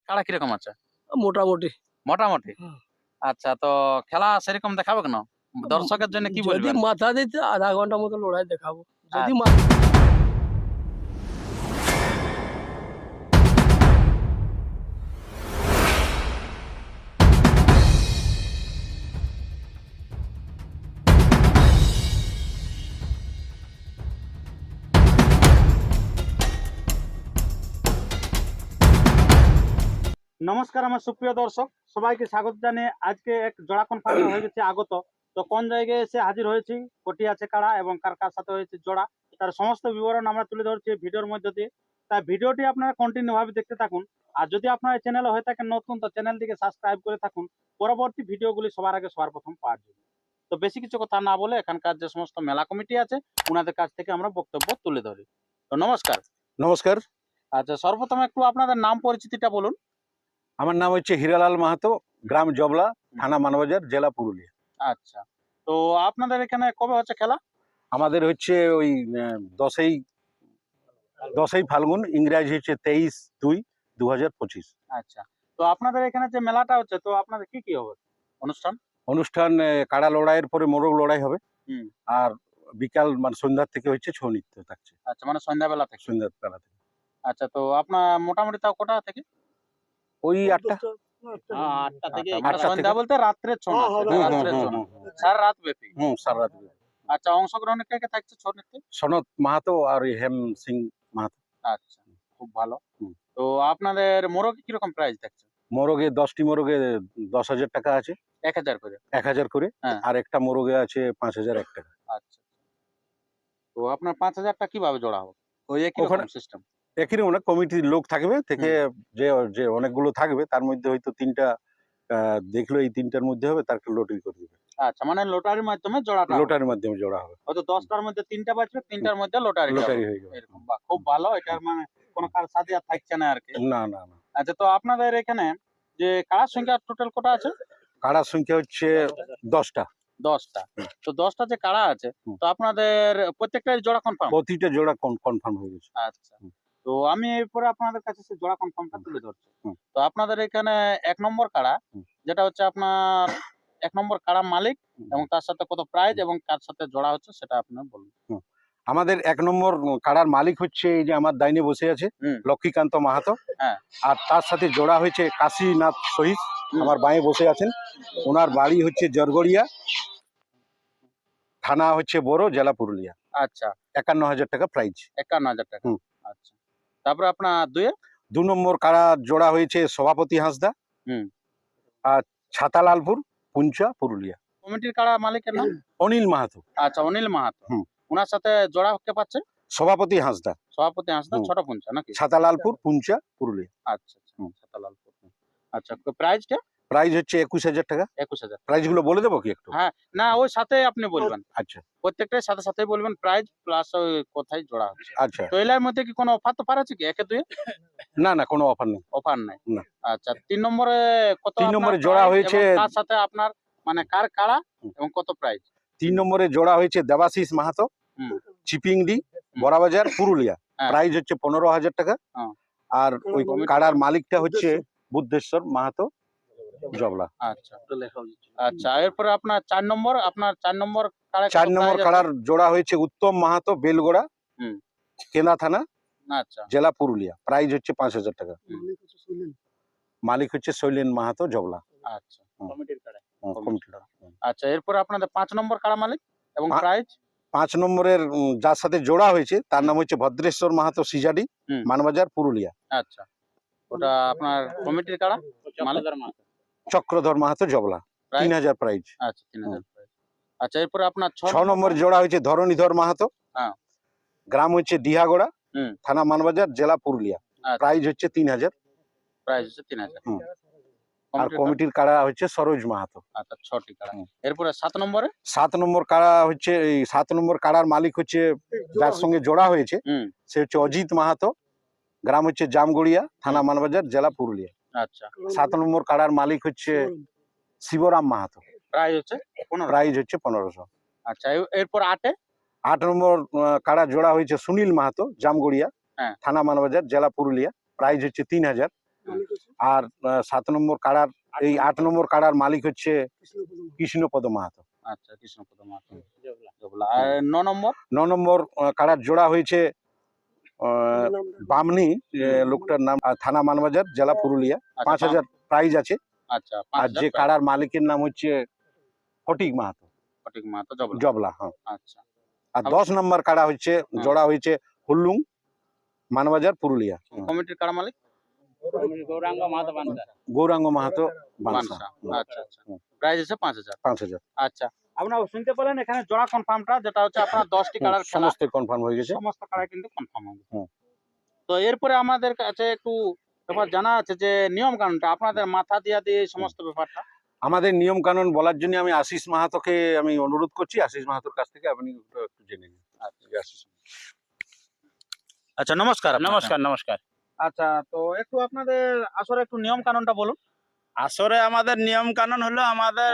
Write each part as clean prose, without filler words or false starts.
কাড়া কিরকম আছে? মোটামুটি। মোটামুটি। হুম। আচ্ছা, তো খেলা সেরকম দেখাবে কেন? দর্শকের জন্য কি যদি বলবেন? মাথা দিতে আধা ঘন্টা মতো লড়াই দেখাবো। যদি আচ্ছা। মাথা নমস্কার আমার সুপ্রিয় দর্শক, সবাইকে স্বাগত জানিয়ে আজকে এক জোড়া কনফার্ম হয়ে গেছে আগত। তো কোন জায়গায় এসে হাজির হয়েছি, কোটি আছে কাড়া এবং কার কার সাথে হয়েছে জোড়া, তার সমস্ত বিবরণ আমরা তুলে ধরছি এই ভিডিওর মধ্যে দিয়ে। তাই ভিডিওটি আপনারা কন্টিনিউ ভাবে দেখতে থাকুন। আর যদি আপনার চ্যানেলে হয়ে থাকেন নতুন, তো চ্যানেলটিকে সাবস্ক্রাইব করে থাকুন পরবর্তী ভিডিওগুলি সবার আগে সবার প্রথম পাওয়ার জন্য। তো বেশি কিছু কথা না বলে এখানকার যে সমস্ত মেলা কমিটি আছে ওনাদের কাছ থেকে আমরা বক্তব্য তুলে ধরি। তো নমস্কার। নমস্কার, আচ্ছা, সর্বপ্রথম একটু আপনাদের নাম পরিচিতিটা বলুন। আমার নাম হচ্ছে হীরালাল মাহাতো, গ্রাম জবলা, থানা মানবাজার, জেলা পুরুলিয়া। আচ্ছা, তো আপনাদের এখানে কবে হচ্ছে খেলা? আমাদের হচ্ছে ওই 10ই ফাল্গুন, ইংরাজি হচ্ছে 23/2/2025। আচ্ছা, তো আপনাদের এখানে যে মেলাটা হচ্ছে, তো আপনাদের কি কি হবে অনুষ্ঠান? অনুষ্ঠান কাড়া লড়াইয়ের পরে মোরগ লড়াই হবে। হুম। আর বিকাল মানে সন্ধ্যার থেকে হচ্ছে ছৌ নৃত্য থাকছে, আচ্ছা, মানে সন্ধ্যাবেলা থেকে। সন্ধ্যার বেলা থেকে। আচ্ছা, তো আপনার মোটামুটি তাও কটা থেকে? ওই 8টা। 8টা থেকে। আটটা মানে সন্ধ্যা থেকে। বলতে রাত্রের ছৌ নাচ, হ্যাঁ, এটা হ্যাঁ, রাত্রের ছৌ নাচ, সারা রাত ব্যাপী। সারা রাত। আচ্ছা, অংশগ্রহণের কে কে থাকছে ছৌ নৃত্যে? সনত মাহাতো আর ওই হেম সিং মাহাতো। আচ্ছা, খুব ভালো। হুম। তো আপনাদের মোরগ কিরকম প্রাইস থাকছে? মোরগে 10টি মোরগে 10,000 টাকা আছে, 1000 করে। 1,000 করে। হ্যাঁ। আর একটা মোরগে আছে 5,001 টাকা। আচ্ছা, তো আপনার 5000টা কিভাবে জোড়া হবে? ওই একই রকম ওখানে সিস্টেম? একই রকম না, কমিটির লোক থাকবে থেকে, যে যে অনেকগুলো থাকবে তার মধ্যে হয়তো 3টা দেখলো এই 3টার মধ্যে হবে, তার লটারি করে দেবে। আচ্ছা, মানে লটারির মাধ্যমে জোড়াটা হবে। লটারির মাধ্যমে জোড়া হবে, হয়তো 10টার মধ্যে 3টা বাঁচবে, 3টার মধ্যে লটারি লটারি হয়ে যাবে। এরকম। বাহ, খুব ভালো। এটার মানে কোনো কার সাথে আর থাকছে না আর কি। না না না, আচ্ছা, তো আপনাদের এখানে যে কার সংখ্যা টোটাল কটা আছে? কাড়ার সংখ্যা হচ্ছে 10টা। 10টা। তো 10টা যে কাড়া আছে, হুম। তো আপনাদের প্রত্যেকটাই জোড়া কনফার্ম? প্রতিটা জোড়া কনফার্ম হয়ে গেছে। আচ্ছা, তো আমি এরপরে আপনাদের কাছে সেই জোড়া কনফার্মটা তুলে ধরছি। হুম। তো আপনাদের এখানে 1 নম্বর কাড়া, হুম। যেটা হচ্ছে আপনার 1 নম্বর কাড়া মালিক এবং তার সাথে কত প্রাইজ এবং কার সাথে জোড়া হচ্ছে সেটা আপনি বলুন। আমাদের 1 নম্বর কাড়ার মালিক হচ্ছে এই যে আমার ডাইনে বসে আছে, হুম। লক্ষ্মীকান্ত মাহাতো। হ্যাঁ। আর তার সাথে জোড়া হয়েছে কাশীনাথ শহীদ, হুম। আমার বাঁয়ে বসে আছেন। ওনার বাড়ি হচ্ছে জরগড়িয়া, থানা হচ্ছে বড়, জেলা পুরুলিয়া। আচ্ছা, 51,000 টাকা প্রাইজ। 51,000 টাকা। হুম। আচ্ছা, তারপরে আপনার 2 2 নম্বর কাড়া জোড়া হয়েছে সভাপতি হাঁসদা, হুম। আর ছাতালালপুর, পুঞ্চা, পুরুলিয়া। কমিটির কাড়া মালিকের নাম? অনিল মাহাতো। আচ্ছা, অনিল মাহাতো। হুম। ওনার সাথে জোড়া কে পাচ্ছে? সভাপতি হাঁসদা, সভাপতি হাঁসদা, হুম। ছোট পুঞ্চা নাকি? ছাতালালপুর, পুঞ্চা, পুরুলিয়া। আচ্ছা, হুম। ছাতালালপুর। আচ্ছা, প্রাইজটা? প্রাইজ হচ্ছে 21,000 টাকা। 21,000। প্রাইজ গুলো বলে দেবো কি একটু? হ্যাঁ, না ওই সাথে আপনি বলবেন। আচ্ছা প্রত্যেকটার সাথে সাথেই বলবেন প্রাইজ প্লাস ওই কোথায় জোড়া হচ্ছে। আচ্ছা। তো এর মধ্যে কি কোনো অফার তো আছে কি? 1-2 না না, কোনো অফার নেই। অফার নাই। না। আচ্ছা, 3 নম্বরে কত? 3 আপনার নম্বরে জোড়া prize হয়েছে, এবং তার সাথে আপনার মানে কার কাড়া হুম। এবং কত প্রাইজ? 3 নম্বরে জোড়া হয়েছে দেবাশিস মাহাতো, হুম। চিপিংডি, বড়াবাজার, পুরুলিয়া। হ্যাঁ। প্রাইজ হচ্ছে 15,000 টাকা। হ্যাঁ। আর ওই কাড়ার মালিকটা হচ্ছে বুদ্ধেশ্বর মাহাতো, জবলা। আচ্ছা, আচ্ছা, এরপরে আপনার 4 নম্বর, আপনার 4 নম্বর কাড়া 4 নম্বর কাড়ার জোড়া হয়েছে উত্তম মাহাতো, বেলগোড়া, হুম। কেনা থানা, আচ্ছা, জেলা পুরুলিয়া। প্রাইজ হচ্ছে 5,000 টাকা। হুম। মালিক হচ্ছে শৈলেন মাহাতো, জবলা। আচ্ছা, হুম। কমিটির কাড়া। কমিটি। আচ্ছা, এরপরে আপনাদের 5 নম্বর কাড়া মালিক এবং প্রাইজ? 5 নম্বরের যার সাথে জোড়া হয়েছে তার নাম হচ্ছে ভদ্রেশ্বর মাহাতো, সিজাডি, হুম। মানবাজার, পুরুলিয়া। আচ্ছা, ওটা আপনার কমিটির কাড়া মালিক? চক্রধর মাহাতো, জবলা। প্রাইজ? 3,000 প্রাইজ। আচ্ছা, 3,000 প্রাইজ। আচ্ছা, এরপরে আপনার 6 নম্বর জোড়া হয়েছে ধরণীধর মাহাতো, হ্যাঁ। গ্রাম হচ্ছে ডিহাগোড়া, হুম। থানা মানবাজার, জেলা পুরুলিয়া। আচ্ছা, প্রাইজ হচ্ছে 3,000। প্রাইজ হচ্ছে 3,000। হুম। আর কমিটির কাড়া? কমিটির কাড়া হচ্ছে সরোজ মাহাতো। আচ্ছা, 6টি কাড়া। হুম। এরপরে 7 নম্বরে? 7 নম্বর কাড়া হচ্ছে এই 7 নম্বর কাড়ার মালিক হচ্ছে যার সঙ্গে জোড়া হয়েছে, হুম। সে হচ্ছে অজিত মাহাতো, গ্রাম হচ্ছে জামগড়িয়া, থানা মানবাজার, জেলা পুরুলিয়া। আচ্ছা, 7 নম্বর কাড়ার মালিক হচ্ছে শিবরাম মাহাতো। প্রাইজ হচ্ছে 15। প্রাইজ হচ্ছে 1500। আচ্ছা, এরপর 8 এ? 8 নম্বর কাড়া জোড়া হয়েছে সুনীল মাহাতো, জামগড়িয়া, হ্যাঁ। থানা মানবাজার, জেলা পুরুলিয়া। প্রাইজ হচ্ছে 3,000। আর 7 নম্বর কাড়ার এই 8 নম্বর কাড়ার মালিক হচ্ছে কৃষ্ণপদ মাহাতো। আচ্ছা, কৃষ্ণপদ মাহাতো জবলা। আর 9 নম্বর 9 নম্বর কাড়ার জোড়া হয়েছে বামনি, লোকটার নাম, থানা মানবাজার, জেলা পুরুলিয়া। 5000 প্রাইজ আছে। আচ্ছা, আর 5000 যে কাড়ার মালিকের নাম হচ্ছে ফটিক মাহাতো, ফটিক মাহাতো জবলা। জবলা। হ্যাঁ। আচ্ছা, আর 10 নম্বর কাড়া হচ্ছে জোড়া হয়েছে হুল্লুং, মানবাজার, পুরুলিয়া। কমিটির কাড়া মালিক গৌরাঙ্গ মাহাতো বানসা। গৌরাঙ্গ মাহাতো বানসা। বানসা। আচ্ছা আচ্ছা, প্রাইস আছে 5000। 5000 আচ্ছা, আপনারা শুনতে পেলেন এখানে জোড়া কনফার্মটা, যেটা হচ্ছে আপনার 10টি কালার খেলা, সমস্ত কনফার্ম হয়ে গেছে। সমস্ত কালার কিন্তু কনফার্ম হয়ে গেছে। হুম। তো এরপরে আমাদের কাছে একটু ব্যাপার জানা আছে যে নিয়ম কানুনটা আপনাদের মাথা দিয়া দিয়ে এই সমস্ত ব্যাপারটা। আমাদের নিয়ম কানুন বলার জন্য আমি আশিস মাহাতোকে আমি অনুরোধ করছি, আশিস মাহাতোর কাছ থেকে আপনি একটু জেনে নিন। আচ্ছা, নমস্কার। নমস্কার নমস্কার। আচ্ছা, তো একটু আপনাদের আসলে একটু নিয়ম কানুনটা বলুন। আসরে আমাদের নিয়ম কানুন হলো আমাদের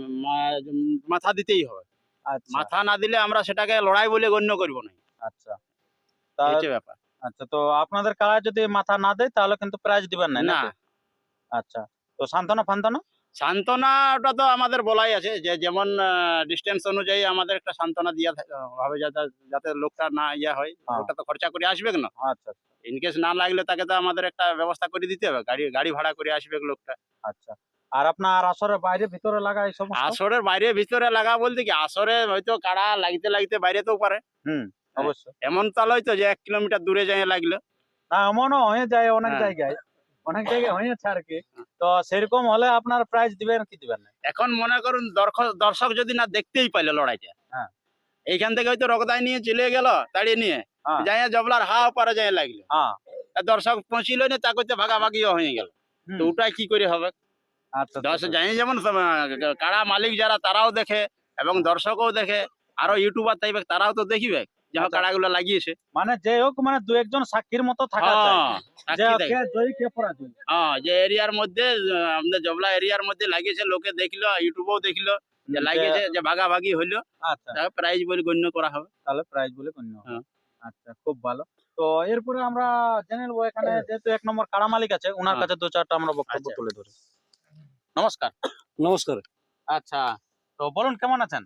মাথা দিতেই হবে। আচ্ছা মাথা না দিলে আমরা সেটাকে লড়াই বলে গণ্য করব না। আচ্ছা এই হচ্ছে ব্যাপার। আচ্ছা, তো আপনাদের কারা যদি মাথা না দেয় তাহলে কিন্তু প্রাইজ দিবেন না, না, নাকি? আচ্ছা, তো সান্ত্বনা ফান্তনা। সান্ত্বনাটা তো আমাদের বলাই আছে যে যেমন ডিস্টেন্স অনুযায়ী আমাদের একটা সান্ত্বনা দিয়া হবে, যাতে যাতে লোকটা না হয়। হ্যাঁ। লোকটা তো খরচা করে আসবে না। আচ্ছা ইনকেস না লাগলে তাকে তো আমাদের একটা ব্যবস্থা করে দিতে হবে, গাড়ি ভাড়া করে আসবে লোকটা। আচ্ছা, আর আপনার আসরে বাইরে ভিতরে লাগা এই সমস্ত? আসরের বাইরে ভিতরে লাগা বলতে কি, আসরে হয়তো কাড়া লাগতে লাগতে বাইরেতেও পারে। অবশ্যই। এমন তাল হয়তো যে 1 কিলোমিটার দূরে যায় লাগলো। না, এমনও হয়ে যায় অনেক হ্যাঁ। জায়গায়, অনেক জায়গায় হয়েছে আর কি। তো সেরকম হলে আপনার প্রাইজ দিবেন কি দিবেন না? এখন মনে করুন দর্শক যদি না দেখতেই পাইলো লড়াইটা, হ্যাঁ। এইখান থেকে হয়তো রগদাই নিয়ে চলে গেল, তাড়িয়ে নিয়ে হ্যাঁ। যাই জবলার পারে যাই লাগলো, হ্যাঁ। আর দর্শক পৌঁছিল না, তা করতে ভাগাভাগিও হয়ে গেল। তো ওটাই কি করে হবে? আচ্ছা, যাই যেমন কাড়া মালিক যারা তারাও দেখে এবং দর্শকও দেখে, আরো ইউটিউবার তাইবে তারাও তো দেখিবে যে আচ্ছা। কাড়াগুলো লাগিয়েছে। মানে যে হোক, মানে দু একজন সাক্ষীর মতো থাকা চাই যে সাক্ষী দেখে। কে জয়ী কে পরাজয়। যে এরিয়ার মধ্যে আমাদের জবলা এরিয়ার মধ্যে লাগিয়েছে, লোকে দেখলো, ইউটিউবেও দেখলো যে লাগিয়েছে, যে ভাগাভাগি হইলো, আচ্ছা, তাকে প্রাইজ বলে গণ্য করা হবে। তাহলে প্রাইজ বলে গণ্য হবে। হ্যাঁ। আচ্ছা, খুব ভালো। তো এরপরে আমরা জেনে নেবো এখানে যেহেতু 1 নম্বর কাড়া মালিক আছে, ওনার হ্যাঁ। কাছে 2-4টা আমরা বক্তব্য আচ্ছা। তুলে ধরি। নমস্কার। নমস্কার। আচ্ছা, তো বলুন কেমন আছেন?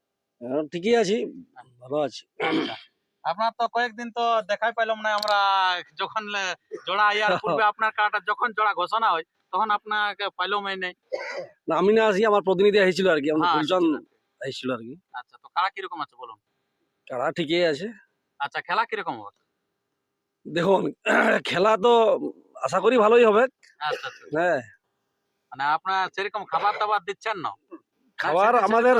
ঠিকই আছি, ভালো আছি। আচ্ছা, আপনার তো কয়েকদিন তো দেখাই পাইলাম না আমরা। যখন জোড়া ইয়ার পূর্বে আপনার কাড়াটা যখন জোড়া ঘোষণা হয় তখন আপনাকে পাইলাম নাই। না, আমি না আসি, আমার প্রতিনিধি এসেছিল আর কি, আমাদের হ্যাঁ, ফুলচাঁদ এসেছিল। এসেছিল আর কি। আচ্ছা, তো কাড়া কিরকম আছে বলুন। কারা ঠিকই আছে। আচ্ছা, খেলা কিরকম হবে? দেখুন, খেলা তো আশা করি ভালোই হবে। আচ্ছা আচ্ছা, হ্যাঁ, মানে আপনার সেরকম খাবার দাবার দিচ্ছেন না? খাবার আমাদের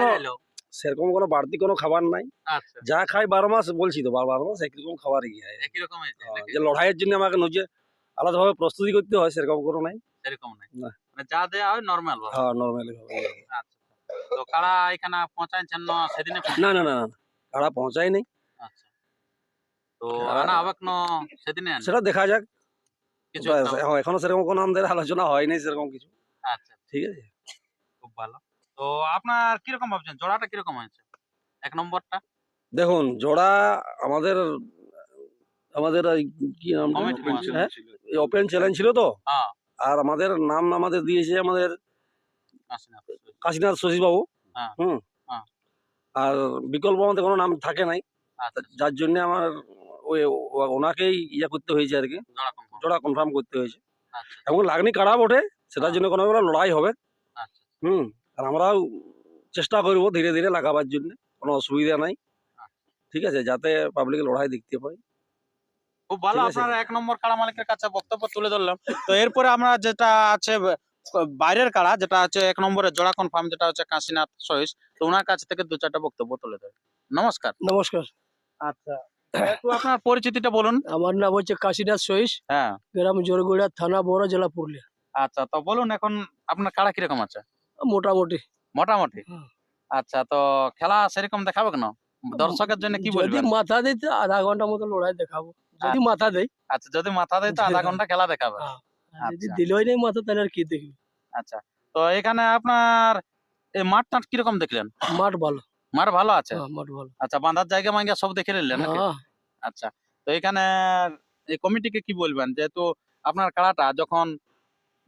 সেরকম কোনো বাড়তি কোনো খাবার নাই। আচ্ছা, যা খাই 12 মাস, বলছি তো 12 মাস একই রকম খাবারই খাই। একই রকম হয়েছে নাকি? যে লড়াইয়ের জন্য আমাকে নিজে আলাদাভাবে প্রস্তুতি করতে হয়, সেরকম কোনো নাই। সেরকম নাই, না। মানে যা দেয়া হয় নরমাল ভাবে। হ্যাঁ, নর্মালি হবে। আচ্ছা, তো কাড়া এখানে পৌঁছাইছেন না সেদিনে? না না না না, কারা পৌঁছাই নাই। আচ্ছা, তো কাড়া- আনা হবে না সেদিনে? সেটা দেখা যাক। কিছু ওটা একটা হবে। এখন এখনো সেরকম কোনো আমাদের আলোচনা হয়নি সেরকম কিছু। আচ্ছা, ঠিক আছে। খুব ভালো। তো আপনার কিরকম ভাবছেন জোড়াটা কিরকম হয়েছে 1 নম্বরটা? দেখুন, জোড়া আমাদের আমাদের ওই কি নাম, কমিটি হ্যাঁ, ওপেন চ্যালেঞ্জ ছিল তো। হ্যাঁ। আর আমাদের নাম আমাদের দিয়েছে আমাদের আসেন আপনি। কাশীনাথ শশীবাবু। হ্যাঁ। হুম। হ্যাঁ। আর বিকল্প আমাদের কোনো নাম থাকে নাই, আচ্ছা, যার জন্য আমার ওই ওনাকেই করতে হয়েছে আর কি, জোড়া কনফার্ম। জোড়া কনফার্ম করতে হয়েছে। আচ্ছা এবং লাগনি কাড়া বটে, সেটার হ্যাঁ। জন্য কোনো লড়াই হবে। আচ্ছা হুম। আর আমরাও চেষ্টা করবো ধীরে ধীরে লাগাবার জন্য, কোনো অসুবিধা নাই। ঠিক আছে, যাতে পাবলিক লড়াই দেখতে পাই। খুব ভালো। ঠিক আছে। আপনার 1 নম্বর কাড়া মালিকের কাছে বক্তব্য তুলে ধরলাম। তো এরপরে আমরা যেটা আছে বাইরের কাড়া, যেটা আছে 1 নম্বরের জোড়া কনফার্ম, যেটা হচ্ছে কাশীনাথ সহিস, তো ওনার কাছ থেকে 2-4টা বক্তব্য তুলে ধরে। নমস্কার। নমস্কার। আচ্ছা, একটু আপনার পরিচিতিটা বলুন। আমার নাম হচ্ছে কাশীনাথ সহিস, হ্যাঁ। গ্রাম জোরগুড়া, থানা বড়, জেলা পুরুলিয়া। আচ্ছা, তো বলুন এখন আপনার কাড়া কিরকম আছে? মোটামুটি। মোটামুটি। হুম। আচ্ছা, তো খেলা সেরকম দেখাবে কেন? দর্শকের জন্য কি যদি বলবেন? মাথা দেয় তো আধা ঘন্টা মতো লড়াই দেখাবো, যদি মাথা দেয়। আচ্ছা, যদি মাথা দেয় তো আধা ঘন্টা খেলা দেখাবে। হ্যাঁ। আর যদি আচ্ছা। দিলই নেই মাথা, তাহলে আর কি দেখবি। আচ্ছা, তো এখানে আপনার এই মাঠ টাট কিরকম দেখলেন? মাঠ ভালো। মাঠ ভালো আছে? হ্যাঁ, মাঠ ভালো। আচ্ছা, বাঁধার জায়গা মাইগা সব দেখে নিলেন নাকি? হ্যাঁ। আচ্ছা, তো এখানে এই কমিটিকে কি বলবেন, যেহেতু আপনার কাড়াটা যখন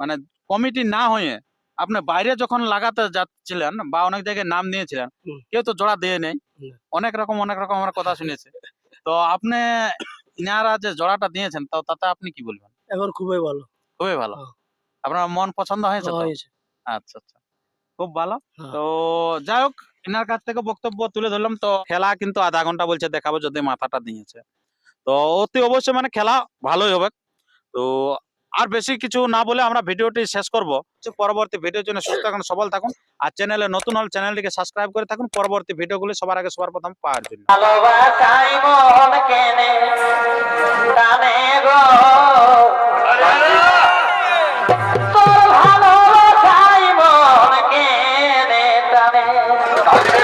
মানে কমিটি না হয়ে আপনি বাইরে যখন লাগাতে যাচ্ছিলেন বা অনেক জায়গায় নাম নিয়েছিলেন, হুম। কেউ তো জোড়া দিয়ে নেই, না। অনেক রকম আমরা কথা শুনেছি। তো আপনি ইনারা যে জোড়াটা দিয়েছেন তো তাতে আপনি কি বলবেন? এখন খুবই ভালো খুবই ভালো। হ্যাঁ। আপনার মন পছন্দ হয়েছে তো? হয়েছে। আচ্ছা আচ্ছা, খুব ভালো। হ্যাঁ। তো যাই হোক, ইনার কাছ থেকে বক্তব্য তুলে ধরলাম। তো খেলা কিন্তু আধা ঘন্টা বলছে দেখাবো, যদি মাথাটা দিয়েছে তো অতি অবশ্যই মানে খেলা ভালোই হবে। তো আর বেশি কিছু না বলে আমরা ভিডিওটি শেষ করব। পরবর্তী ভিডিওর জন্য সুস্থ থাকুন, সবল থাকুন, আর চ্যানেলে নতুন হলে চ্যানেলটিকে সাবস্ক্রাইব করে থাকুন পরবর্তী ভিডিওগুলি সবার আগে সবার প্রথম পাওয়ার জন্য। ভালোবাসাই মন কেনে টানে গো তোর ভালোবাসাই মন কেনে টানে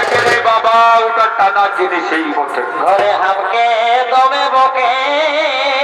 বাবা ওটা টানা জিনিসই বটে। ঘরে হামকে দমে বকে